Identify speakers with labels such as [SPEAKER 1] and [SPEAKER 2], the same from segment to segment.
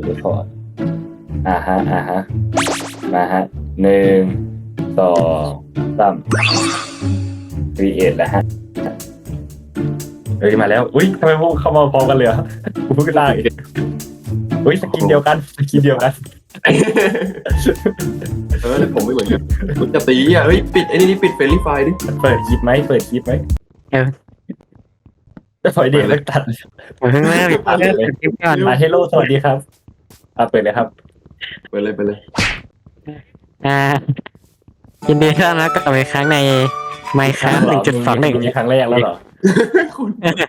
[SPEAKER 1] เรคคอร์ดมาฮะ1 2 3ครีเอทแล้วฮะเฮ้ยมาแล้วอุ้ยทำไมพวกเข้ามาพร้อมกันเลยกูเพิ่งได้อุ้ยสกินเดียวกัน
[SPEAKER 2] แต่ผมไม่เหมือนกันคุณจะตีอ่ะเฮ้ยปิดไอ้นี่ปิดเฟรนลี่ไฟดิ
[SPEAKER 1] เปิดคลิปไหมจะปล่อยเด็กเลิกตัด
[SPEAKER 3] เพิ่งเริ่มคลิปก่อน
[SPEAKER 1] มาเฮลโลสวัสดีครับเปิดเลยครับ
[SPEAKER 2] ไปเลย
[SPEAKER 3] อ่ายินดีต้อนรับกลับมาอีกครั้งในไมค์ครับ1.21
[SPEAKER 1] มีครั้งแรกแล้วเหรอ
[SPEAKER 2] คุณ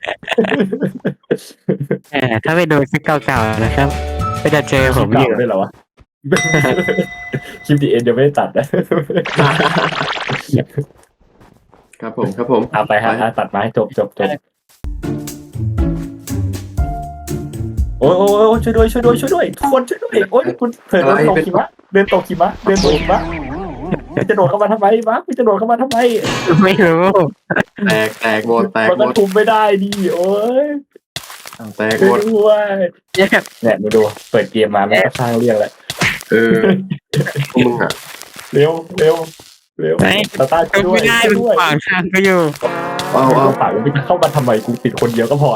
[SPEAKER 3] ถ้าไปดูคลิปเก่าๆนะครับก็จะเจอผมอยู่
[SPEAKER 1] ด้วยเหรอวะคลิปดีเอ็นยังไม่ได้ตัดนะครับ
[SPEAKER 2] ผม
[SPEAKER 1] เอาไปฮะตัดมาให้จบโอ้ยช่วยด้วยทุกคนช่วยด้วยโอ้ยคุณเผลอเดินตกหิมะจะโดดเข้ามาทำไมวะจะโดดเข้ามาทำไม
[SPEAKER 3] ไม่รู้
[SPEAKER 2] แตกหมด
[SPEAKER 1] มันก็ทุบไม่ได้ดิโอ้ย
[SPEAKER 2] แตก
[SPEAKER 1] ช่
[SPEAKER 2] หม
[SPEAKER 1] วย
[SPEAKER 2] ด
[SPEAKER 1] ด้วย
[SPEAKER 3] เนี่ย
[SPEAKER 1] เนี่ยมาดูเปิดเกมมาไม่ก็สร้างเรื่องแล้ว
[SPEAKER 2] พวกมึงอ่ะ
[SPEAKER 1] เร็วตาช่วยด้ว
[SPEAKER 3] ไม่
[SPEAKER 1] ย
[SPEAKER 3] ได้เป็นขวางทางก็อยู่
[SPEAKER 2] เอา
[SPEAKER 1] ฝากมันเข้ามาทำไมกูปิดคนเดียวก็พอ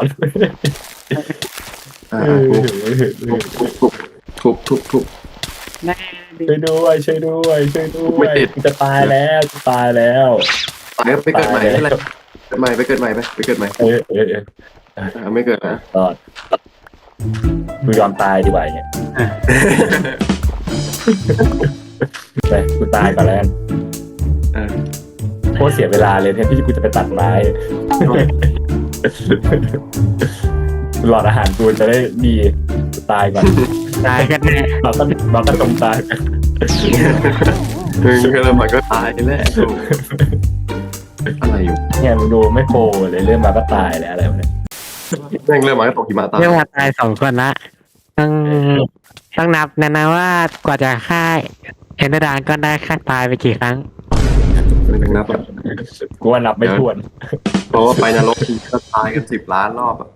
[SPEAKER 2] ทุบ
[SPEAKER 3] ได้
[SPEAKER 1] ช่วยด้วย
[SPEAKER 2] ไม่ติด
[SPEAKER 1] จะตายแล้ว
[SPEAKER 2] ตายไปเกิดใหม่ไม่เป็นไรไปเกิดใหม่ไปเกิดใหม่ ไม่เกิดนะ
[SPEAKER 1] ตอดกูยอมตายดีกว่าเนี่ยไปกูตายก่อนแล้วกันโคตรเสียเวลาเลยแทนที่กูจะไปตัดไม้หลอดอาหารกูจะได้ดีตายก่อน
[SPEAKER 3] ได้กันแน่
[SPEAKER 1] เราก็ตรงตาย
[SPEAKER 2] ก็เริ่มมาก็ตายแล้วอะไรอยู่
[SPEAKER 1] เนี่ยมึงดูไม่โปรเลยเริ่มมาก็ตายแล้วอะไรวะเนี่ย
[SPEAKER 2] แม่งเริ่มมาก็ตกหิมะตาย
[SPEAKER 3] เรียกว่าตาย2 คนละต้องนับนะว่ากว่าจะฆ่าเอ็นเดอร์ดานก็ได้ฆ่าตายไปกี่ครั้ง
[SPEAKER 2] ไม่ต้องนับ
[SPEAKER 1] กูว่านับไม่ถ้วน
[SPEAKER 2] เพราะว่าไปนรกทีก็ตายกัน10 ล้านรอบอ่ะ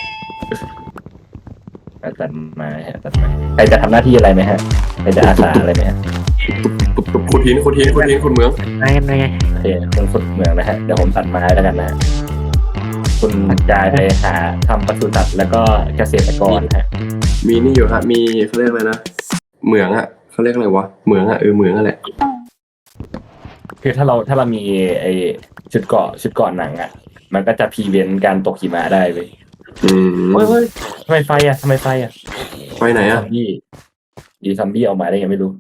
[SPEAKER 1] ตัดไม้ใครจะทำหน้าที่อะไรไหมฮะใครจะอาสาอะไรไหมฮะ
[SPEAKER 2] ขุดหินขุดเมือง
[SPEAKER 3] ไง
[SPEAKER 1] โอเคคุณฝึกเมืองนะฮะเดี๋ยวผมตัดไม้แล้วกันนะฮะคุณกายไปหาทำปศุสัตว์แล้วก็เกษตรกรฮะ
[SPEAKER 2] มีนี่อยู่ฮะมีเขาเรียกอะไรนะเหมืองอ่ะเขาเรียกอะไรวะเหมืองอ่ะเหมืองนั่นแหละ
[SPEAKER 1] คือถ้าเรามีไอชุดเกราะหนังอ่ะมันก็จะพรีเวนต์การตกหิมะได้เลยเฮ้ยทำไมไฟอ่ะ
[SPEAKER 2] ไปไหน
[SPEAKER 1] ซ
[SPEAKER 2] อ่ะ
[SPEAKER 1] อมบี้ออกมาได้ไงไม่รู้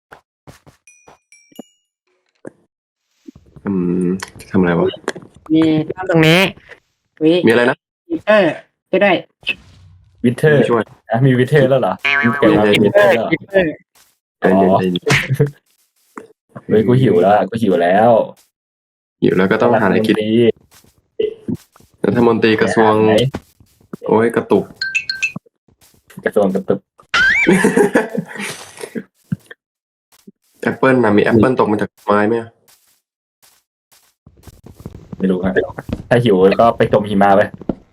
[SPEAKER 2] ทำอะไรวะ
[SPEAKER 3] มีตรงนี้วิ
[SPEAKER 2] มีอะไรนะ
[SPEAKER 3] ก็ได้
[SPEAKER 1] วิเทอร์
[SPEAKER 2] ช่วย
[SPEAKER 1] มีวิเทอร์แล้วเหรอเกิดมามีวิเทอร์แล้ว
[SPEAKER 2] ใจเย็น
[SPEAKER 1] เฮ้ยกูหิวแล้ว
[SPEAKER 2] อยู่แล้วก็ต้องหาอะไรกินรัฐมนตรีกระทรวงโอ้ยกระตุก
[SPEAKER 1] กระทรวงกระตุก
[SPEAKER 2] แอปเปิลนะมีแอปเปิลตกมาจากไม้ไหม
[SPEAKER 1] ไม่รู้ครับถ้าหิวก็ไปจมหิมะไป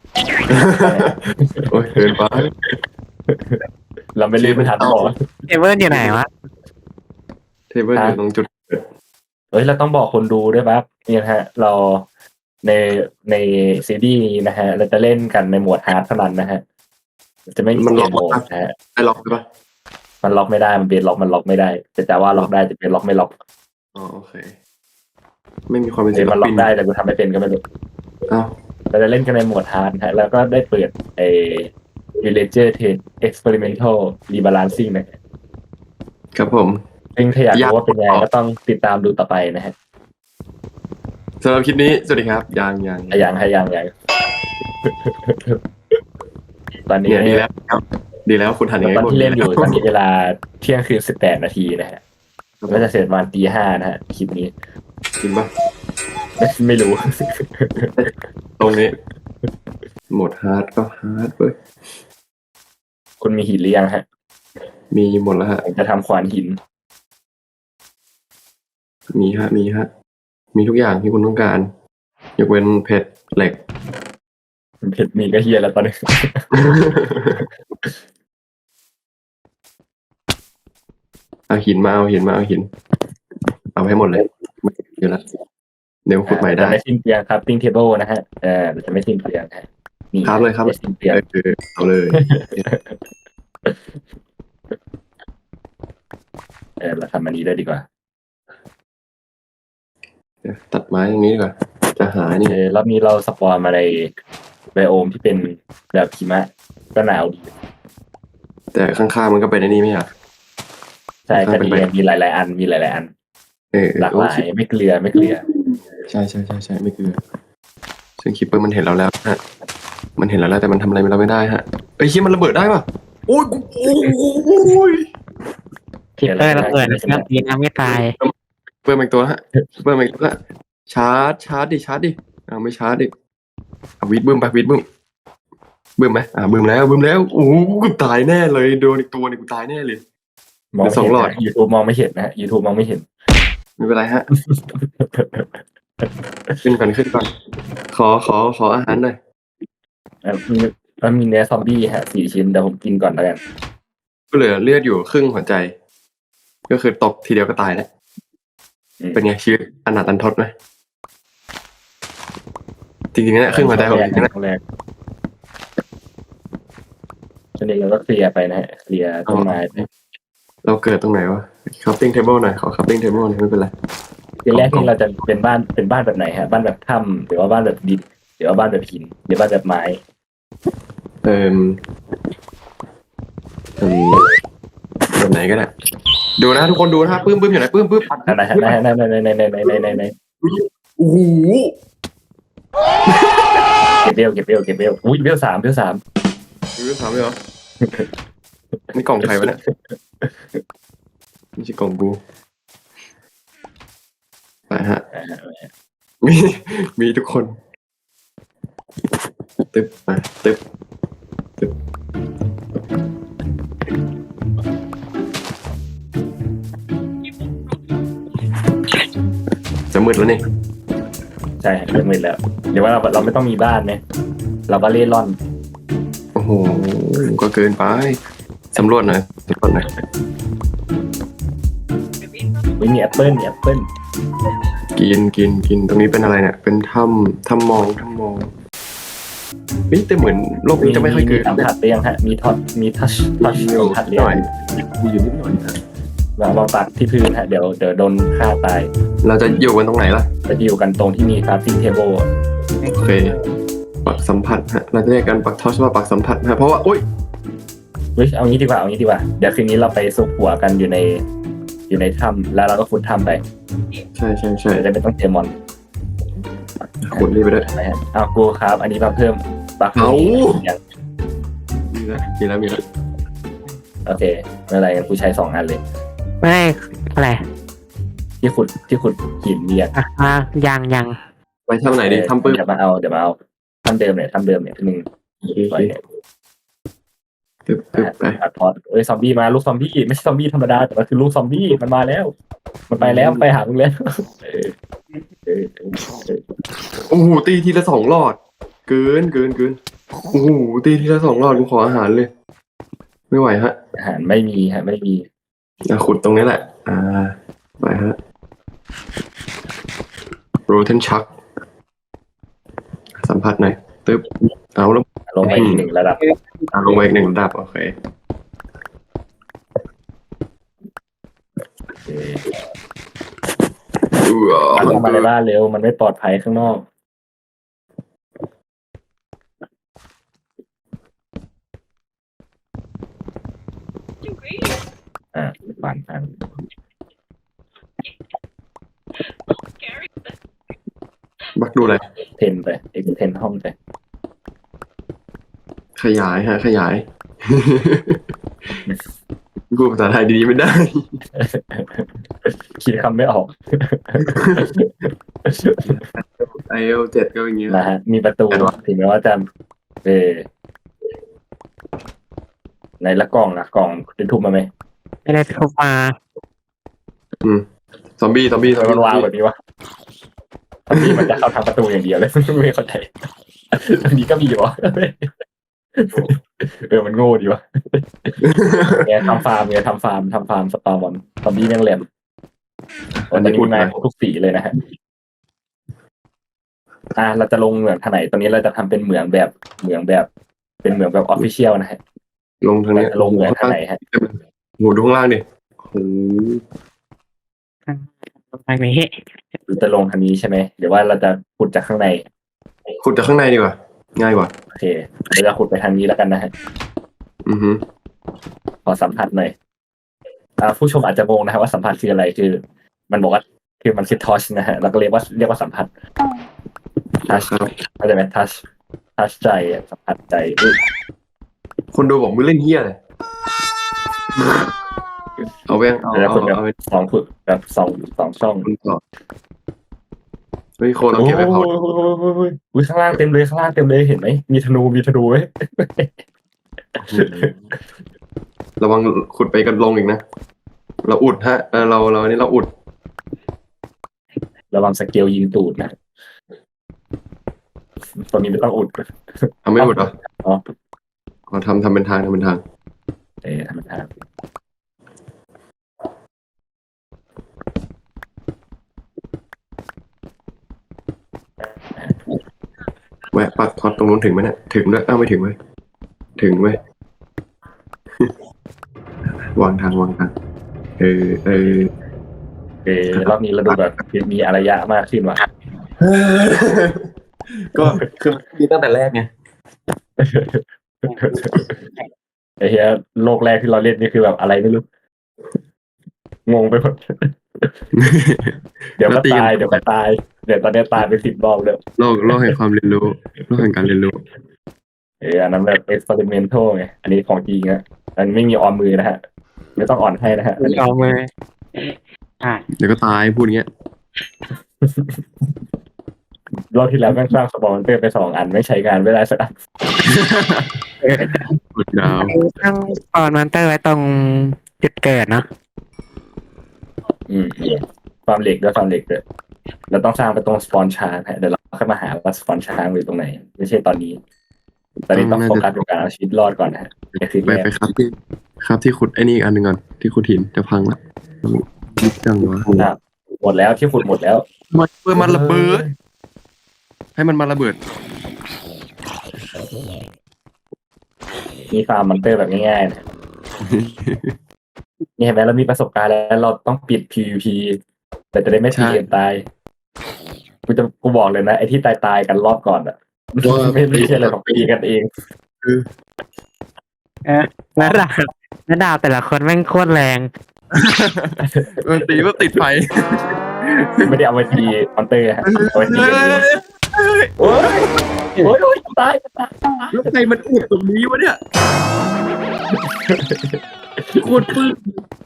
[SPEAKER 2] โอ้ยเกินไป
[SPEAKER 1] เราไม่รีบไปทันต่อ
[SPEAKER 3] เอเวอร์อยู่ไหนวะ
[SPEAKER 2] เทเบิลอยู่ตรงจุด
[SPEAKER 1] เฮ้ยเราต้องบอกคนดูด้วยครับนี่นะฮะเราในซีรีส์นี้นะฮะเราจะเล่นกันในโหมดฮาร์ดเท่านั้นนะฮะจะไม่มีโหมดนะฮะ
[SPEAKER 2] ได้ล็อกใช่ปะ
[SPEAKER 1] มันล็อกไม่ได้มันเป็นล็อกมันล็อกไม่ได้แต่ว่าล็อกได้จะเป็นล็อกไม่ล็อก
[SPEAKER 2] อ๋อโอเคไม่มีความเป็นศิล
[SPEAKER 1] มันล็อ
[SPEAKER 2] ปิ
[SPEAKER 1] ก
[SPEAKER 2] น
[SPEAKER 1] ได้แต่กูทำไม่เป็นก็ไม่รู้
[SPEAKER 2] อ้าว
[SPEAKER 1] เราจะเล่นกันในโหมดฮาร์ดฮะแล้วก็ได้เปิดVillager Test Experimental Rebalancing นะครับ
[SPEAKER 2] ผม
[SPEAKER 1] ซึ่งถ้าอยากรู้ว่าเป็นยังไงก็ต้องติดตามดูต่อไปนะฮะ
[SPEAKER 2] สำหรับคลิปนี้สวัสดีครับยัง
[SPEAKER 1] อย่างตอนนี้
[SPEAKER 2] เนี่ยดีแล้วครับดีแล้วคุณทันยังไง
[SPEAKER 1] ตอนที่เล่นอยู่ตอนนี้เวลาเที่ยงคืน18 นาทีนะฮะก็จะเสร็จประมาณตี 5นะฮะคลิปนี้
[SPEAKER 2] จริงปะ
[SPEAKER 1] ไม่รู้
[SPEAKER 2] ตรงนี้โหมดฮาร์ดก็ฮาร์ดเว้ย
[SPEAKER 1] คุณมีหินหรือยังฮะ
[SPEAKER 2] มีหมดแล้วฮะ
[SPEAKER 1] ผมจะทำขวานหิน
[SPEAKER 2] มีฮะมีทุกอย่างที่คุณต้องการยกเว้นเพชรเหล็ก
[SPEAKER 1] เพชรมีก็เฮียแล้วตอนนี้
[SPEAKER 2] เอาหินมาเอาหินมาเอาหิน เอาให้หมดเลยไม่อยู่แล้วเดี๋ยวขุดใหม่ได้
[SPEAKER 1] จะไม่สิ้นเปลืองครับติ้งเทเบิลนะฮะเราจะไม่สิ้นเปลืองฮะนี่
[SPEAKER 2] ครับเลยครับ
[SPEAKER 1] ไม่สิ้นเปลือง
[SPEAKER 2] เอาเลย
[SPEAKER 1] เราทำอันนี้เลยดีกว่า
[SPEAKER 2] เดี๋ยวตัดไม้ตรงนี้ดีกว่าจะหานี่
[SPEAKER 1] รอบนี้เราสปอนมาในไบโอมที่เป็นแบบหิมะก็หนาวดี
[SPEAKER 2] แต่ข้างๆมันก็เป็นไอ้นี่ไม่ใช่เหรอ
[SPEAKER 1] ใช่
[SPEAKER 2] ข้างๆ
[SPEAKER 1] ก็
[SPEAKER 2] เป็น
[SPEAKER 1] ดี
[SPEAKER 2] ไบ
[SPEAKER 1] มีหลายๆอันมีหลายๆอัน หลากหลายไม่เกลือไม่เกลือ
[SPEAKER 2] ใช่ไม่คือซึ่งคิปเปอร์มันเห็นเราแล้วฮะมันเห็นเราแล้วแต่มันทำอะไรเราไม่ได้ฮะเอ้ยคิดมันระเบิดได้ป่ะโอ้ยโอ้ย
[SPEAKER 3] คิปเปอร์ระเบิดเครื่องบินทำไม่ตาย
[SPEAKER 2] เปิดมาอีกตัวฮะเปิดมาอีกตัวละชาร์จดิไม่ชาร์จดิวิดบึ้มไปวิดบึ้มบึ้มไหมบึ้มแล้วโอ้โหกูตายแน่เลยโดนอีกตัวนี่กูตายแน่เลย
[SPEAKER 1] มอง
[SPEAKER 2] เดี๋ยวสองหลอด
[SPEAKER 1] ยูทูบมองไม่เห็นนะฮะ YouTube มองไม่เห็น
[SPEAKER 2] ไม่เป็นไรฮะ ขึ้นก่อนขออาหารหน่อย
[SPEAKER 1] มีเนื้อซอมบี้ฮะ4 ชิ้นเดี๋ยวผมกินก่อนแล้วกัน
[SPEAKER 2] ก็เหลือเลือดอยู่ครึ่งหัวใจ ก็คือตกทีเดียวก็ตายแล้ว เป็นไงชีวิตอนาถรันทดไหมจริงๆเนี่ยครึ่งหัวใจผมจริงๆนะ
[SPEAKER 1] ครั้งแรกฉะนั้นเราก็เคลียร์ไปนะฮะเคลียร์ต้นไม้ไป
[SPEAKER 2] เราเกิดตรงไหนวะ crafting table หน่อยขอ crafting table หน่อยไม่เป็นไร
[SPEAKER 1] ทีแรกนี่เราจะเป็นบ้านแบบไหนฮะบ้านแบบถ้ำหรือว่าบ้านแบบดินหรือว่าบ้านแบบหินหรือบ้านแบบไม้
[SPEAKER 2] เอ่มแบบไหนก็ได้ดูนะทุกคนดูนะปื้มอยู่ไหนปื้ม
[SPEAKER 1] ไหนฮะไหน
[SPEAKER 2] โอ้โห
[SPEAKER 1] เก็บเบลอุ้ยเบล 3
[SPEAKER 2] ดูสามเลยเหรอนี่กล่องใครวะเนี่ยไม่ใช่กล่องกูไปฮะมีทุกคนตึ๊บมาตึ๊บจะมืดแล้วนี่
[SPEAKER 1] ใช่เริ่มมืดแล้วเดี๋ยวว่าเราไม่ต้องมีบ้านไหมเราก็เล่ร่อน
[SPEAKER 2] โอ้โหก็เกินไปสำรวจหน่อย
[SPEAKER 1] ไม่มีแอปเปิ้ล
[SPEAKER 2] กินตรงนี้เป็นอะไรเนี่ยเป็นถ้ำมองนี่แต่เหมือนโลกนี้จะไม่ค่อยเกิด
[SPEAKER 1] สัมผัสไปยังฮะมีทัชสัมผัสเรีย
[SPEAKER 2] หน่อยมีอยู่นิดหน่อยนะ
[SPEAKER 1] วางตักที่พื้นฮะเดี๋ยวโดนฆ่าตาย
[SPEAKER 2] เราจะอยู่กันตรงไหนล่ะ
[SPEAKER 1] จะอยู่กันตรงที่มีคราฟติ้งเทเบิล
[SPEAKER 2] โอเคปักสัมผัสฮะเราจะเรียกกันปักทอชว่าปักสัมผัสฮะเพราะว่าโอ๊ย
[SPEAKER 1] เฮ้ยเอางี้ดีกว่าเดี๋ยวคืนนี้เราไปซุกหัวกันอยู่ในถ้ำแล้วเราก็ขุดถ้ำไป
[SPEAKER 2] ใช่
[SPEAKER 1] เดี๋ยวจะไม่ต้องเจอมอน
[SPEAKER 2] ขุดนี่ไปด้วย
[SPEAKER 1] นะฮะเอากูครับอันนี้มาเพิ่มบัก
[SPEAKER 2] เอา
[SPEAKER 1] อย่าง
[SPEAKER 2] มีแล้ว
[SPEAKER 1] โอเคไม่เป็นไรงั้นกูใช้2 อันเลย
[SPEAKER 3] ไม่อะไร
[SPEAKER 1] ที่ขุดหินเรียง
[SPEAKER 3] ยัง
[SPEAKER 2] ไปทำไหนดีทำปื้ม
[SPEAKER 1] เดี๋ยวมาเอาทำเดิมเนี่ยที่มึงปล่อยเนี่ย
[SPEAKER 2] ตึ๊บไป
[SPEAKER 1] อัดพอดซอมบี้มาลูกซอมบี้ไม่ใช่ซอมบี้ธรรมดาแต่มันคือลูกซอมบี้มันมาแล้ว มันไปแล้วไปหามึงแล้วเออ
[SPEAKER 2] โอ้โหตีทีละ2 หลอด เกินโอ้โหตีทีละ2 หลอดกูขออาหารเลย ไม่ไหวฮะ
[SPEAKER 1] อาหารไม่มีฮะไม่มี
[SPEAKER 2] ขุดตรงนี้แหละไปฮะ Rotten Chuck สัมผัสหน่อยตึ๊บเอาแล้ว
[SPEAKER 1] ลงไปอีก1 ระดับ
[SPEAKER 2] ลงไปอีก1 ระดับโอเค
[SPEAKER 1] มันเข้ามาในบ้านเร็วมันไม่ปลอดภัยข้างนอกปั่น
[SPEAKER 2] บักดูอะไร
[SPEAKER 1] เทนไปเทนห้องไป
[SPEAKER 2] ขยายฮะขยาย กูภาษาไทยดีๆไม่ได้
[SPEAKER 1] คิดคำไม่ออก
[SPEAKER 2] IL7 ก็อย่างเงี้ย
[SPEAKER 1] นะฮะมีประตูถึงแม้ว่าจะในละกล่องได้ทุบมาไหม
[SPEAKER 3] ไม่ได้ทุบมา
[SPEAKER 2] ซอมบี้
[SPEAKER 1] มันวางแบบนี้วะซอมบี้มันจะเข้าทางประตูอย่างเดียวเลย ไม่เข้าใจตรงนี้ก็มีอยู่วะมันโง่ดีวะเนี่ยทำฟาร์มสปาบอลซอมบี้แม่งแหลมตอนนี้มีไม้ครบทุกสีเลยนะฮะเราจะลงเหมืองทางไหนตอนนี้เราจะทำเป็นเหมืองแบบเป็นเหมืองแบบออฟฟิเชียลนะฮะ
[SPEAKER 2] ลงทางเนี้ย
[SPEAKER 1] ลงเหมืองทางไหนฮะ
[SPEAKER 2] โหดูข้างล่างดิโห
[SPEAKER 3] ทางนี้
[SPEAKER 1] หรือจะลงทางนี้ใช่ไหมหรือว่าเราจะขุดจากข้างใน
[SPEAKER 2] ขุดจากข้างในดีกว่าง่ายกว่า
[SPEAKER 1] โอเคเราจะขุดไปทางนี้แล้วกันนะฮะ
[SPEAKER 2] อือฮึ
[SPEAKER 1] ขอสัมผัสหน่อยผู้ชมอาจจะงงนะครับว่าสัมผัสคืออะไรคือ มันบอกว่าคือมันคือทอชนะฮะเราก็เรียกว่าสัมผัสทัชเข้าใจไหมทัชใจสัมผัสใจ
[SPEAKER 2] คนดูบอกมึงเล่นเฮียเลยเอาแว่งเอา
[SPEAKER 1] แล้วคนแบบ
[SPEAKER 2] เอา
[SPEAKER 1] สองขุดแบบสองช่อง
[SPEAKER 2] คุณต่อเฮ้ยโคนเอาเก็บไปเผา
[SPEAKER 1] อุ้ยข้างล่างเต็มเลยเห็นไหมมีธนูไหม
[SPEAKER 2] ระวังขุดไปกันลงอีกนะเราอุดฮะเราอันนี้เราอุด
[SPEAKER 1] ระวังสเกลยิงตูดนะตอนนี้ไม่ต้องอุด
[SPEAKER 2] ทำไม่อุดเหรอ
[SPEAKER 1] อ๋อ
[SPEAKER 2] อ๋อทำเป็นทาง
[SPEAKER 1] ธรรมดา
[SPEAKER 2] แวะปักทอดตรงนู้นถึงไหมเนี่ยถึงด้วยไม่ถึงเว้ยถึงเว้ย วางทาง
[SPEAKER 1] รอบนี้เราดูแบบมีอารยะมากขึ้นว่ะ
[SPEAKER 2] ก็คือมีตั้งแต่แรกไง
[SPEAKER 1] ไอ้เหี้ยโลกแรกที่เราเล่นนี่คือแบบอะไรไม่รู้งงไปหมด เดี๋ยวก็ตายเดี๋ยวตอนนี้ตายไป10 รอบแล้ว
[SPEAKER 2] โลกแห่งความเรียนรู้โลกแห่งการเรียนรู้
[SPEAKER 1] อันนั้นแบบexperimental ไงอันนี้ของจริงอะอันไม่มีออมมือนะฮะไม่ต้องอ่อนให้นะฮะ
[SPEAKER 3] ไม่เอามือ
[SPEAKER 2] เดี๋ยวก็ตายพูดอย่างเงี้ย
[SPEAKER 1] รอบที่แล้วแม่งสร้างสปอนเซอร์ไป2 อันไม่ใช้งานไม่ได้สักอัน
[SPEAKER 2] กดดาว
[SPEAKER 3] ตั้งปอนมอนเตอร์ไว้ตรงจุดเกิดเนาะ
[SPEAKER 1] ความเหล็กด้วยเราต้องสร้างไปตรงสปอนช้างฮะเดี๋ยวเราค่อยมาหาว่าสปอนช้างอยู่ตรงไหนไม่ใช่ตอนนี้ต้องโฟกัสกับการเอาชีวิตรอดก่อนนะฮะนี่คือ
[SPEAKER 2] ไปครับที่ขุดไอ้นี่อีกอันหนึ่งก่อนที่ขุดหินจะพังละยิบจังวะ
[SPEAKER 1] หมดแล้วที่ขุดหมดแล้ว
[SPEAKER 2] มันระเบิดให้มันมาระเบิด
[SPEAKER 1] มีฟาร์มมอนเตอร์แบบง่ายๆนะนี่เห็นไหมเรามีประสบการณ์แล้วเราต้องปิด PVP แต่จะได้ไม่ตีกันตายกูบอกเลยนะไอ้ที่ตายกันรอบก่อนอ่ะไม่ใช่อะไรของตีกันเอง
[SPEAKER 3] แล้วดาวแต่ละคนแม่งโคตรแรง
[SPEAKER 2] มันตีว่าติดไฟ
[SPEAKER 1] ไม่ได้เอาไปตีมอนเตอร์ฮะเอาไปตีกันเองโอ้ยตาย
[SPEAKER 2] แล้วใครมันอุดตรงนี้วะเนี่ยโคตรปื้ม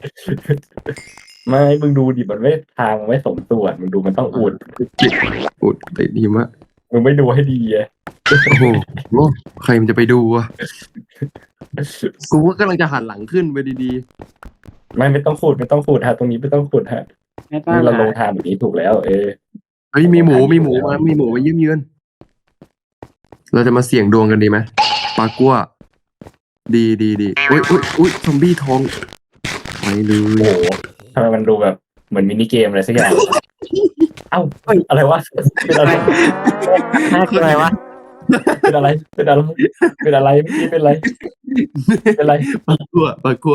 [SPEAKER 1] ไม่มึงดูดิมันไม่ทางไม่สมส่วนมึงดูมันต้องอุด
[SPEAKER 2] ติดหิมะ
[SPEAKER 1] มึงไม่ดูให้ดีไง
[SPEAKER 2] โอ้โหใครมันจะไปดูอ่ะกูว่ากำลังจะหันหลังขึ้นไปดี
[SPEAKER 1] ไม่ต้องขุดฮะตรงนี้ไม่ต้องขุดฮะเราลงทางแบบนี้ถูกแล้วเ
[SPEAKER 2] เฮ้ยมีหมูมาเยี่ยมเยือนเราจะมาเสี่ยงดวงกันดีไหมปลากัวดีอุ้ยซอมบี้ทองไปเล
[SPEAKER 1] โอ้
[SPEAKER 2] ย
[SPEAKER 1] โหทำไมมันดูแบบเหมือนมินิเกมอะไรสักอย่างเอ้าอะไรวะเป็นอะไร
[SPEAKER 3] คืออะไรวะ
[SPEAKER 1] เป็นอะไรเป็นอะไรเป็นอะไรเมื่อกี้เป็นอะไรเป็นอะไร
[SPEAKER 2] ปลากัว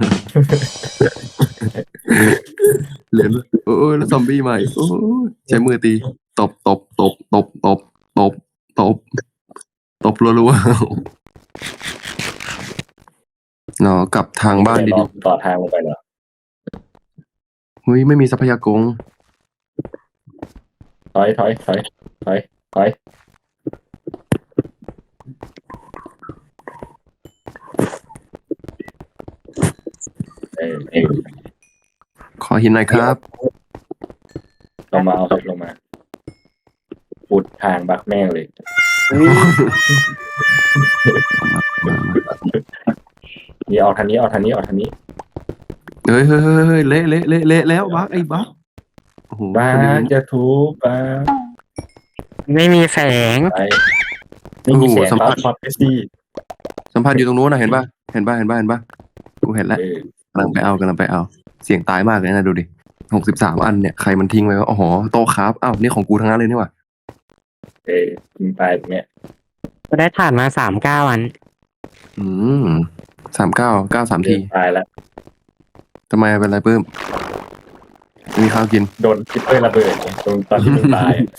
[SPEAKER 2] เหรียญโอ้ยแล้วซอมบี้ใหม่โอ้ยใช้มือตีตบรัวๆเนาะกลับทางบ้านดี
[SPEAKER 1] ต่อทางลงไปเหรอ
[SPEAKER 2] ๆเฮ้ยไม่มีทรัพยากร
[SPEAKER 1] ถอย
[SPEAKER 2] ขอหินหน่อยครับ
[SPEAKER 1] ลงมาเอาลงมาปุดทางบักแม่งเลยนี่ออกทางนี้
[SPEAKER 2] เฮ้ยเละแล้วบักไอ้บักโอ้โห
[SPEAKER 1] บ้าจะทุบบ้า
[SPEAKER 3] ไม่มีแสง
[SPEAKER 1] ไปไม่มีแสงครับพอดไปสิ
[SPEAKER 2] สัมผัสอยู่ตรงนู้นนะเห็นป่ะกูเห็นแล้ว
[SPEAKER 1] เออก
[SPEAKER 2] ำลังไปเอา เสียงตายมากเลยนะดูดิ63 อันเนี่ยใครมันทิ้งไว้วะอ๋อโต๊ะครับอ้าวนี่ของกูทั้งนั้นเลยนี่หว่า
[SPEAKER 1] เออกินไปอย่างเงี้ย
[SPEAKER 3] ก็ได้ถ่านมา39 อัน
[SPEAKER 2] อืม39 93 ที
[SPEAKER 1] ตายแล้ว
[SPEAKER 2] ทำไมเป็นไรเพิ่มมีข้าวกิน
[SPEAKER 1] โดนคิปเปอร์ระเบิดไงตรงตอนที่มึงตายอะ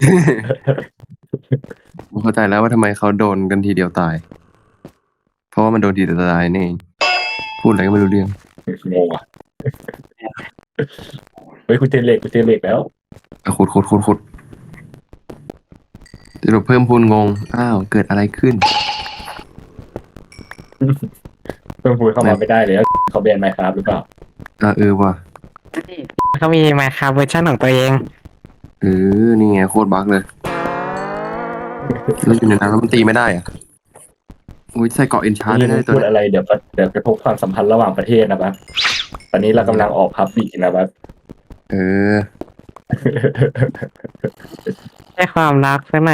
[SPEAKER 2] ผมเข้าใจแล้วว่าทำไมเขาโดนกันทีเดียวตาย เพราะว่ามันโดนทีเดียวตายนี่เองพูดอะไรก็ไม่รู้เรื่อง
[SPEAKER 1] งงอ่ะเฮ้ยกูเจอเหล็กแล้ว
[SPEAKER 2] อ่ะขุดสรุปเพิ่มพูนงงอ้าวเกิดอะไรขึ้น
[SPEAKER 1] เพิ่งพูดเข้ามาไม่ได้เลยเขาแบนไมค์ครับหรือเปล่า
[SPEAKER 2] ว่ะ
[SPEAKER 3] เขามีมาคาเวอร์ชันของตัวเอง
[SPEAKER 2] นี่ไงโคตรบั๊กเลยแล้วอยู่ในน้ำแล้วมันตีไม่ได้อ่ะอุ้ยใส่เกาะเอนชาร์ด
[SPEAKER 1] นี่
[SPEAKER 2] ได้
[SPEAKER 1] มึง
[SPEAKER 2] ตัว
[SPEAKER 1] พูด
[SPEAKER 2] เนี้ย
[SPEAKER 1] อะไรเดี๋ยวกระทบความสัมพันธ์ระหว่างประเทศนะครับตอนนี้เรากำลังออกพับบิกนะครับ
[SPEAKER 2] เออ
[SPEAKER 3] ได้ความรักซะหน่อย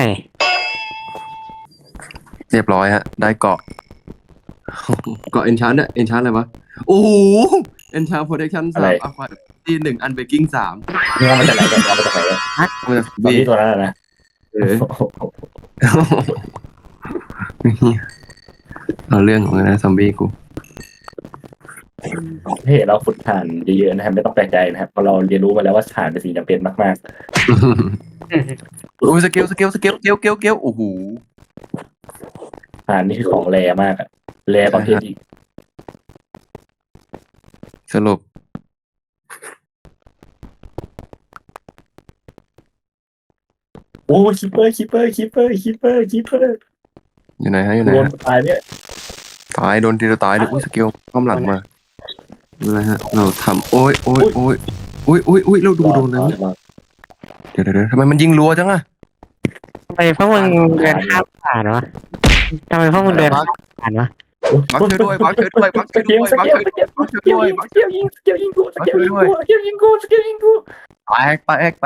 [SPEAKER 2] เรียบร้อยฮะ ได้เกาะ เกาะเอนชาร์ดเนี่ยเอนชาร์ดอะไรวะโอ้โหเอนชาร์ดโปรเทคชั่น
[SPEAKER 1] อะไร
[SPEAKER 2] 3อะควาที่1อันเบกกิ้ง3
[SPEAKER 1] มึงเอามาจากไหนกันเอามาจากไหนกัน
[SPEAKER 2] มาจาก
[SPEAKER 1] ตอน
[SPEAKER 2] บี
[SPEAKER 1] นี้ตัวนั้นนะ
[SPEAKER 2] เออ เอาเรื่องของนะซอมบี้กู
[SPEAKER 1] เฮ้เราฝึกฐานเยอะๆนะครับไม่ต้องแปลกใจนะครับเพราะเราเรียนรู้มาแล้วว่าฐานเป็นสิ่งจำเป็นมาก
[SPEAKER 2] โอ้ยสเกลโอ้โห
[SPEAKER 1] ๆฐานนี่คือของแรมากอะแรประเภทอีก
[SPEAKER 2] สรุป
[SPEAKER 1] โอ้คิปเปอร์
[SPEAKER 2] อยู่ไหนฮะอยู่ไหน
[SPEAKER 1] โดน
[SPEAKER 2] ฮะ
[SPEAKER 1] ตายเนี่ย
[SPEAKER 2] ตายโดนทีเดียวตายเลยอุ้ยสเกลข้ามหลังมาอะไรฮะเราทำโอ้ยเราดูโดนเลยเนี่ยเดี๋ยวทำไมมันยิงรัวจังอะ
[SPEAKER 3] ทำไมพวกมึงเดินข้ามผ่านวะทำไมพวกมึงเดินข้ามผ่านวะ
[SPEAKER 2] บักช่วยด้วยบักช่วยด้วยบักช่วยด้วยบักช่วยด้วยบักช่วยด้วย
[SPEAKER 1] สเกลยิงกู
[SPEAKER 2] แตก
[SPEAKER 1] แตก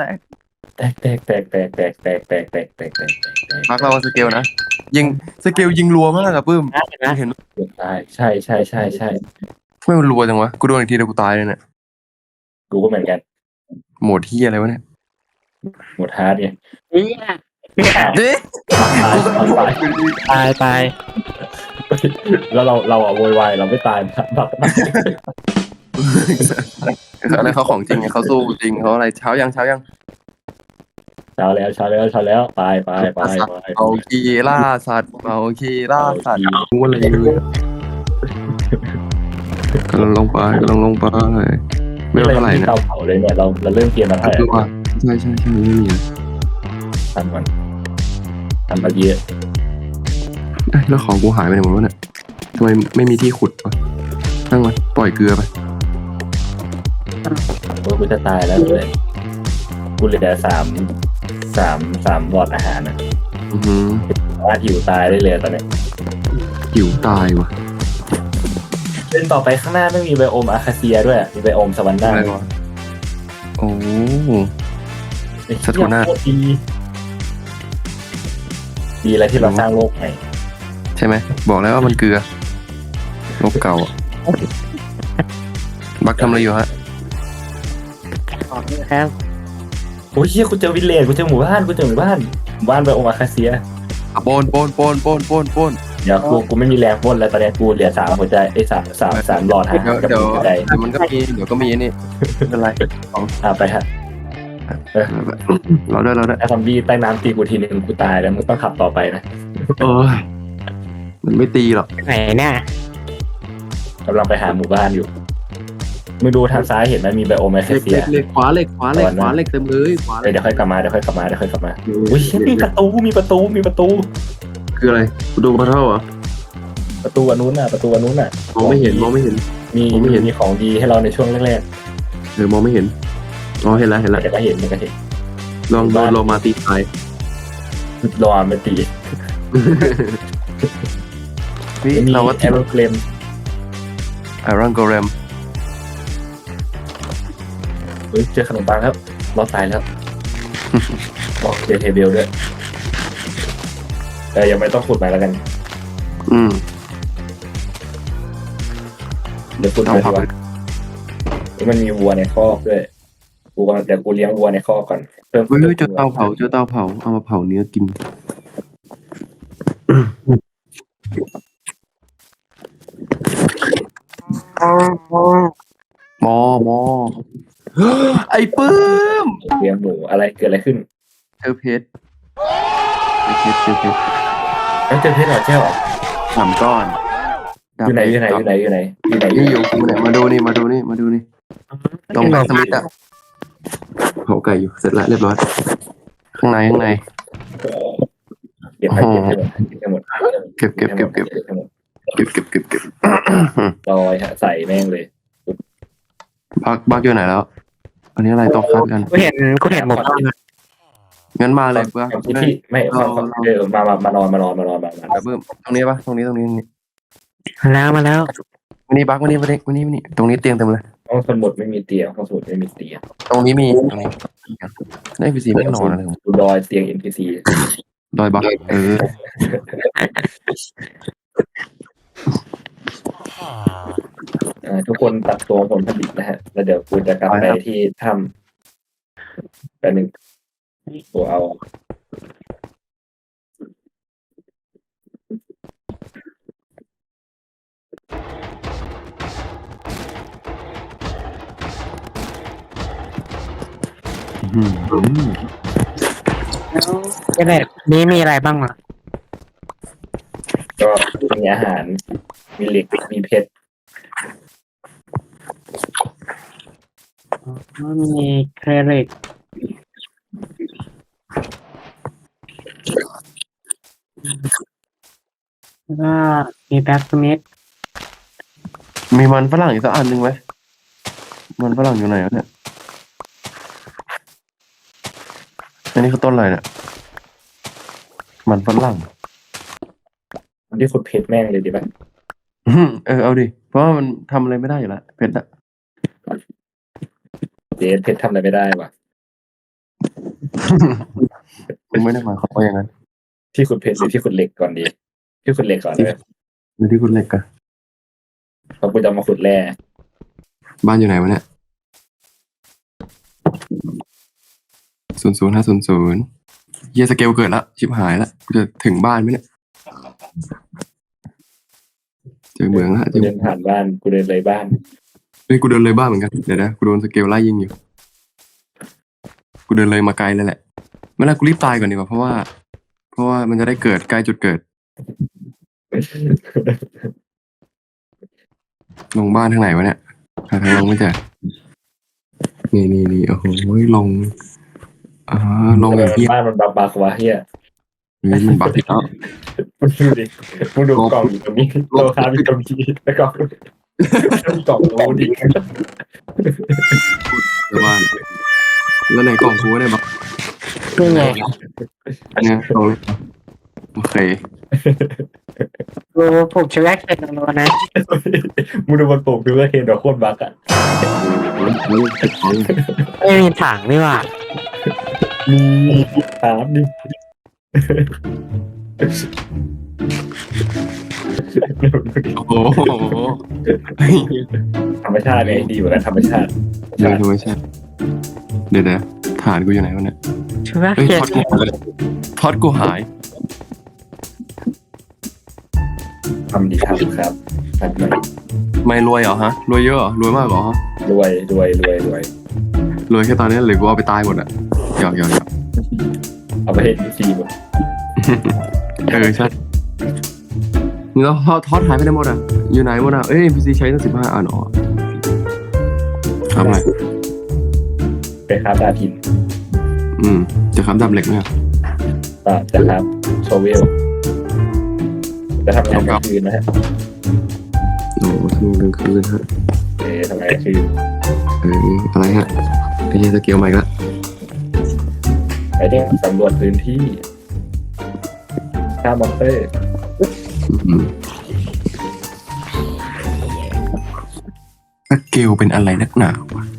[SPEAKER 2] บักเราสเกลนะยิงสเกลยิงรัวมากอะปื้ม
[SPEAKER 3] นะเห็นไหม
[SPEAKER 2] เห็น
[SPEAKER 1] ใช่
[SPEAKER 2] ทำไมมันรัวจังวะกูโดนอีกทีเดียวกูตายเลยเนี่ย
[SPEAKER 1] กูก็เหมือนกัน
[SPEAKER 2] โหมดที่อะไรวะเนี่ย
[SPEAKER 1] หมดฮาร์ดไง
[SPEAKER 3] เหี้ย
[SPEAKER 2] เด้
[SPEAKER 3] ตาย
[SPEAKER 1] แล้วเราอะโวยวายเราไม่ตายนะ
[SPEAKER 2] อะไรเขาของจริงไงเขาสู้จริงเขาอะไรเช้ายัง
[SPEAKER 1] เช้าแล้วไป
[SPEAKER 2] เอาคีล่าสัตว์เอาคีล่าสัตว์งูอะไรเลยกำลังลงไปไม่เท่าไหร่นะ
[SPEAKER 1] เตาเผาเลยเนี่ยเราเริ่มเกมมาเท่าไหร่
[SPEAKER 2] คือว่าใช่ไม่มี
[SPEAKER 1] ทำมันทำมาเยอะ
[SPEAKER 2] แล้วของกูหายไปไหนหมดวะเนี่ยทำไมไม่มีที่ขุดวะตั้งมันปล่อยเกลือไป
[SPEAKER 1] กูจะตายแล้วเลยกูเหลือสามหลอดอาหารนะ
[SPEAKER 2] อือหือ
[SPEAKER 1] ว่าหิวตายได้เลยตอนนี้
[SPEAKER 2] หิวตายวะ
[SPEAKER 1] เล่นต่อไปข้างหน้าไม่มีไบโอมอาคาเซียด้วยมีไบโอมสวรรค์หน้า
[SPEAKER 2] อะไรวะโอ้ สะทุน่า
[SPEAKER 1] ดีอะไรที่เราสร้างโลกใหม่
[SPEAKER 2] ใช่ไหมบอกแล้วว่ามันเกลือลบเก่าอะบักทำอะไรอยู่ฮะ
[SPEAKER 3] ครับ
[SPEAKER 1] โอ้ยเชี่ยกูเจอวิลเลจกูเจอหมู่บ้านไบโอมอาคาเซีย
[SPEAKER 2] อ่ะโปน
[SPEAKER 1] เดี๋ยวกูไม่มีแรงพ่นแล้วตอนนี้กูเหลือ3หัวใจไอ้สามหลอดฮะกับ
[SPEAKER 2] เดี๋ยว
[SPEAKER 1] หัวใจ
[SPEAKER 2] มันก็มีเดี๋ยวก็มีนี่ไม่เป็นไร
[SPEAKER 1] ไปฮะ
[SPEAKER 2] เราได้
[SPEAKER 1] ถ้าซอมบี้ใต้น้ำตีกูทีนึงกูตายแล้วมึงต้องขับต่อไปนะ
[SPEAKER 2] มันไม่ตีหรอก
[SPEAKER 3] ไหนเนี่ย
[SPEAKER 1] กำลังไปหาหมู่บ้านอยู่มึงดูทางซ้ายเห็นไหมมีไบโอมอาคาเซีย
[SPEAKER 2] เหล็กขวาเหล็กเต็มเลยขวา
[SPEAKER 1] เดี๋ยวค่อยกลับมาอุ้ยเชี่ยมีประตู
[SPEAKER 2] คืออะไรกูดูมาเท่าเหรอ
[SPEAKER 1] ประตูอันนู้นน่ะ
[SPEAKER 2] มองไม่เห็น
[SPEAKER 1] มี
[SPEAKER 2] มองไม่เห็น
[SPEAKER 1] มีของดีให้เราในช่วงแรก
[SPEAKER 2] มองไม่เห็นอ๋อเห็นแล้ว
[SPEAKER 1] ๆแต่ก็เห็น
[SPEAKER 2] ลองโดนมาตีตาย
[SPEAKER 1] รอไม่ตี
[SPEAKER 2] นี่
[SPEAKER 1] มี
[SPEAKER 2] เราว่า
[SPEAKER 1] แอโรเกรม
[SPEAKER 2] ไอรอนโกเรม
[SPEAKER 1] เฮ้ยเจอขนมปังครับรอดตายแล้วบอกเจอเทเบลด้วยยังไม่ต้องขุดไปแล้วกัน
[SPEAKER 2] อืม
[SPEAKER 1] เดี๋ยวพูด
[SPEAKER 2] เตา
[SPEAKER 1] เลย
[SPEAKER 2] เผา
[SPEAKER 1] ดีกว่ามันมีวัวในคอกด้วยเดี๋ยวกูเลี้ยงวัวในคอกก่อนเพิ่ม
[SPEAKER 2] เฮ้ยเจอเตาเผาเอามาเผาเนื้อกินมอไอ้ปื้ม
[SPEAKER 1] เลี้ยงหมูอะไรเกิดอะไรขึ้น
[SPEAKER 2] เจอเพชรเจอเพชร
[SPEAKER 1] แล้วเจอเพชรเหรอเจ้าเหรอ
[SPEAKER 2] 3 ก้อน
[SPEAKER 1] อยู่ไหนอยู่ไหนอยู่ไหนอยู่ไหนอยู่ไหน
[SPEAKER 2] นี่อยู่กูเนี่ยมาดูนี่ตรงสมิธอะเผาไก่อยู่เสร็จแล้วเรียบร้อยข้างใน
[SPEAKER 1] เก็บไปเก็บให้หมด
[SPEAKER 2] เก็บ
[SPEAKER 1] ให้หมด ลอยฮะใส่แม่งเลย
[SPEAKER 2] บักอยู่ไหนแล้ว อันนี้อะไรต้องคัดกัน
[SPEAKER 3] กูเห็นหมดแล้วนะ
[SPEAKER 2] งั้นมาเลยบัก
[SPEAKER 1] ที่ไม่มานอน
[SPEAKER 2] เพิ่มตรงนี้ปะตรงนี้
[SPEAKER 3] มาแล้ว
[SPEAKER 2] วันนี้บักวันนี้ตรงนี้เตียงเต็มเลย
[SPEAKER 1] ห้องสมุดไม่มีเตียงห้องสมุดไม่มีเตียง
[SPEAKER 2] ตรงนี้มีได้พีซีไม่นอนอะไร
[SPEAKER 1] ดูดอยเตียง NPC
[SPEAKER 2] ดอยบัก
[SPEAKER 1] ทุกคนตัดตัวผลผลิตนะฮะแล้วเดี๋ยวกูจะกลับไปที่ถ้ำแป๊บนึงกูเอา
[SPEAKER 3] นี่มีอะไรบ้างวะ
[SPEAKER 1] ก็มีอาหารมีเหล็กมีเพชร
[SPEAKER 3] มีเครดิตแล้วก็มีแบ็กสมิธ
[SPEAKER 2] มีมันฝรั่งอีกสักอันหนึ่งไหมมันฝรั่งอยู่ไหนวะเนี่ยอันนี้คือต้นอะไรเนี่ยมันฝรั่ง
[SPEAKER 1] ที่ขุดเพชรแม่งเลยดีป่ะ
[SPEAKER 2] เอาดิเพราะว่ามันทำอะไรไม่ได้อยู่แล้วเพชรอะ
[SPEAKER 1] เพชรทำอะไรไม่ได้ว่ะ
[SPEAKER 2] ผมไม่ได้หมายความว่าอย่างนั้น
[SPEAKER 1] ที่ขุดเพชรหรือที่ขุดเหล็กก่อนดีที่ขุดเหล็กก่อนเลย
[SPEAKER 2] หรือที่คุณเล็กอะ
[SPEAKER 1] เพราะกูจะมาขุดแร่
[SPEAKER 2] บ้านอยู่ไหนวะเนี่ย00500เฮียสเกลเกิดละชิบหายละกูจะถึงบ้านไหมเนี่ยเจอเมืองละ
[SPEAKER 1] กูเดินผ่านบ้านกูเดินเลยบ้าน
[SPEAKER 2] เฮ้ยกูเดินเลยบ้านเหมือนกันเดี๋ยวนะกูโดนสเกลไล่ยิงอยู่กูเดินเลยมาไกลเลยแหละไม่ละกูรีบตายก่อนดีกว่าเพราะว่ามันจะได้เกิดใกล้จุดเกิดลงบ้านทางไหนวะเนี่ยหาทางลงไม่เจอนี่โอ้โหลงลงอย่างเฮีย
[SPEAKER 1] บ้านมันบักวะเฮีย
[SPEAKER 2] มันบักที่แล้ว
[SPEAKER 1] มึงดูดิมึงดูกล่องอยู่ตรงนี้โลคาอยู่ตรงนี้แล้วก็กล่องโลดิ
[SPEAKER 2] บ้านแล้วไหนกล่องกูได้บัก
[SPEAKER 3] นี่ไง
[SPEAKER 2] เนี่ยตรงนี้โอเค
[SPEAKER 3] กูผูกเชื้อเคนโนนะ
[SPEAKER 1] มึงดูมันปลูกดูว่าเห็นดอกโคตรบักอ่ะ
[SPEAKER 3] ไม่มีถังนี่หว่า
[SPEAKER 1] มีถามดิ
[SPEAKER 2] โอ้โห
[SPEAKER 1] ธรรมชาติไงดีกว่ากันธรรมชาติ
[SPEAKER 2] เดี๋ยวไม่ใช่เดี๋ยวฐานกูอยู่ไหนวะเนี่ย
[SPEAKER 3] เชื้อ
[SPEAKER 2] เฮ้ย
[SPEAKER 3] เคน
[SPEAKER 2] ท็อตกูหาย
[SPEAKER 1] ทำดีครับทำหน่อย
[SPEAKER 2] ไม่รวยเหรอฮะรวยเยอะเหรอรวยมากเหรอ
[SPEAKER 1] รวย
[SPEAKER 2] รวยแค่ตอนนี้หรือกูเอาไปตายหมดอะหยอก
[SPEAKER 1] เอาไปเห็นซีหมด
[SPEAKER 2] ใช่แล้วท็อตหายไปไหนหมดอะอยู่ไหนหมดอะNPC ใช้ตั้ง15 อันอ๋อทำอะไร
[SPEAKER 1] ไปคราฟดาบหิน
[SPEAKER 2] จะค้ำดาบเหล็กไหมอะ
[SPEAKER 1] จะครับโชเวลจะทำงานกลางคืนนะฮะ
[SPEAKER 2] โอ้ทำกลางคืนฮะ
[SPEAKER 1] ทำงานกลางคืน
[SPEAKER 2] อะไรฮะไอ้เหี้ยสเกลใหม่ละ
[SPEAKER 1] ไปเรื่องสำรวจพื้นที่ฆ่ามอนสเตอร์
[SPEAKER 2] สเกลเป็นอะไรนักหนาวะ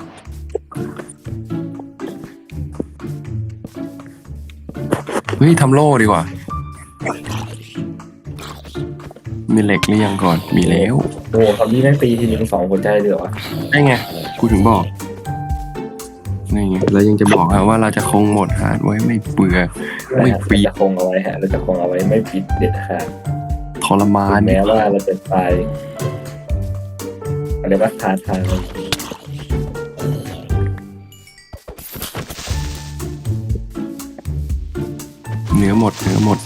[SPEAKER 2] เฮ้ยทำโล่ดีกว่ามีเหล็กหรือยังก่อนมีแล้ว
[SPEAKER 1] โอ้คำนี้แม่งตีทีนึง2 หัวใจเลยเหรอวะ
[SPEAKER 2] ได้ไงกูถึงบอกนี่ไงแล้วยังจะบอกว่าเราจะคงโหมดฮาร์ดไว้ไม่เบื่อ ไม่ปิด
[SPEAKER 1] เราจะคงเอาไว้ฮะเราจะคงเอาไว้ไม่ปิดเด็ดขาด
[SPEAKER 2] ทรมาน
[SPEAKER 1] ถึงแม้ว่าเราจะตายอะไรว่าท้าทาย
[SPEAKER 2] เนื้อหมด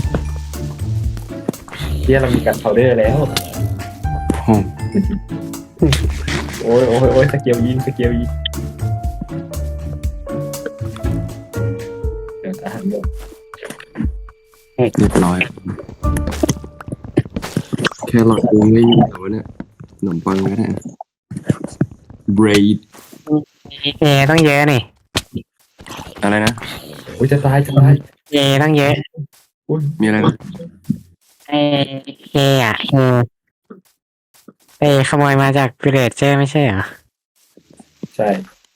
[SPEAKER 1] ที่เรามีการพาวเดอร์แล้ว
[SPEAKER 2] โอ้
[SPEAKER 1] โอ้ยโอ้ยโอ้ยสเกลยิงเดี๋ยวอาหารหมด
[SPEAKER 2] เรียบร้อยแค่หลอดวงไม่มีเหรอวะเนี่ยขนมปังก็ได้เบรด
[SPEAKER 3] เอต้องเยอะนี่
[SPEAKER 2] อะไรนะ
[SPEAKER 1] โอ้ยจะตาย
[SPEAKER 3] เอต้องเยอะ
[SPEAKER 1] อุ้ย
[SPEAKER 2] มีอะไรนะ
[SPEAKER 3] เอเออ่ะเอขโมยมาจากวิลเลจเจอร์ไม่ใช่เหรอ
[SPEAKER 1] ใช่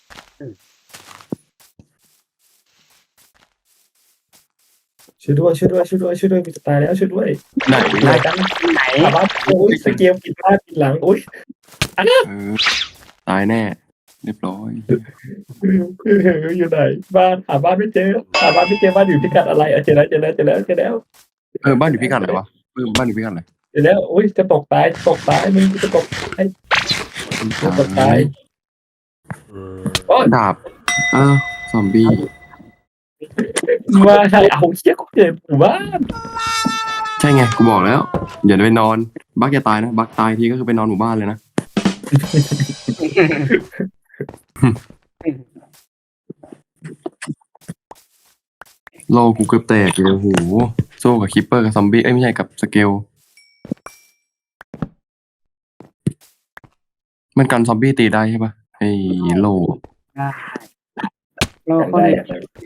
[SPEAKER 1] ช่วยด้วยมีจะตายแล้วช่วยด้วย
[SPEAKER 2] ไหน
[SPEAKER 1] ตายกัน
[SPEAKER 3] ไหน
[SPEAKER 1] อาบ้าโอ้ยสเกลปิดหน้าปิดหลังโอ้ย
[SPEAKER 2] ตายแน่เรียบร้อย
[SPEAKER 1] อยู่ไหนบ้านหาบ้านไม่เจอบ้านอยู่พิกัดอะไรเจอแล้ว
[SPEAKER 2] บ้านอยู่พิกัดอะไรวะบ้านอยู่พิกัดอะไร
[SPEAKER 1] เจอแล้วโอ้ยจะตกตายมึงจะตกตายโอ้ย
[SPEAKER 2] ดาบซอมบี้
[SPEAKER 1] ว่าใครเอาเชี่ยกูเจ็บหมู่บ้าน
[SPEAKER 2] ใช่ไงกูบอกแล้วอย่าไปนอนบักจะตายนะบักตายทีก็คือไปนอนหมู่บ้านเลยนะโลกูเกือบแตกเลยโอ้โหโซ่กับคิปเปอร์กับซอมบี้ไม่ใช่กับสเกลมันกันซอมบี้ตีได้ใช่ปะไอ้โล
[SPEAKER 3] โลกคน
[SPEAKER 1] ได้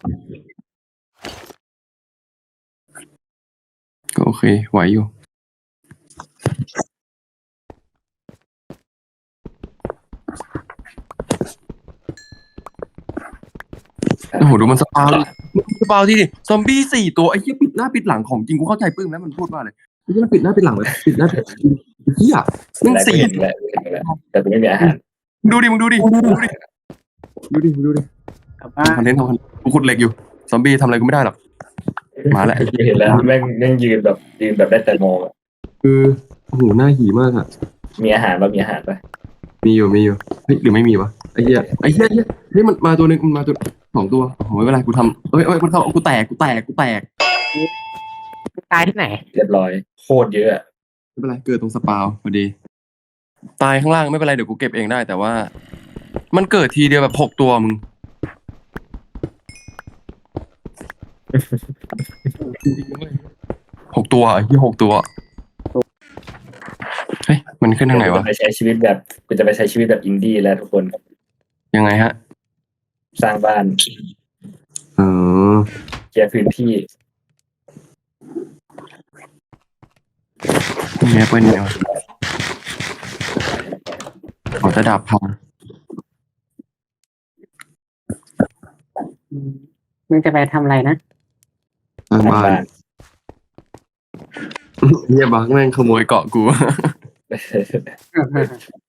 [SPEAKER 2] ก็โอเคไหวอยู่โอ้โหดูมันสปาวดิสปาวที่ดิซอมบี้4 ตัวไอ้เหี้ยปิดหน้าปิดหลังของจริงกูเข้าใจปึ้งแล้วมันพูดว่าอะไรไอ้เหี้ยมันปิดหน้าปิดหลังแบบปิดหน้าปิดหลังเหี้ยมันสี่
[SPEAKER 1] แล้วแต่กูไม่มีอาหาร
[SPEAKER 2] ดูดิมึงดูดิ
[SPEAKER 3] กลับบ้าน
[SPEAKER 2] คอนเทนต์กูขุดเหล็กอยู่ซอมบี้ทำอะไรกูไม่ได้หรอกมาแล้ว
[SPEAKER 1] เห็นแล้วแม่งยืนแบบได้แต่มอง
[SPEAKER 2] คือโอ้โหหน้าหีมากอ่ะ
[SPEAKER 1] มีอาหารป่ะ
[SPEAKER 2] มีอยู่เฮ้ยหรือไม่มีวะไอ้เหี้ยเฮ้ยมันมาตัวนึงมันมาตัว2 ตัวโอ้โหไม่เป็นไรกูทำเอ้ยมันเข้ากูแตก
[SPEAKER 3] ตายที่ไหน
[SPEAKER 1] เรียบร้อยโคตรเยอะ
[SPEAKER 2] ไม่เป็นไรเกิดตรงสปาวพอดีตายข้างล่างไม่เป็นไรเดี๋ยวกูเก็บเองได้แต่ว่ามันเกิดทีเดียวแบบ6 ตัวมึง 6 ตัวไอ้ที่6 ตัวเฮ้ยมันขึ้นทางไหนวะ
[SPEAKER 1] กูจะไปใช้ชีวิตแบบอินดี้แล้วทุกคน
[SPEAKER 2] ยังไงฮะ
[SPEAKER 1] สร้างบ้าน
[SPEAKER 2] อ๋อ
[SPEAKER 1] เคลียร์พื้นที่
[SPEAKER 2] มีแอปเปิลเนี่ยวะขอจะดาบพัง
[SPEAKER 3] มึงจะไปทำอะไรนะ
[SPEAKER 2] สร้างบ้านเฮียบักแม่งขโมยเกาะกู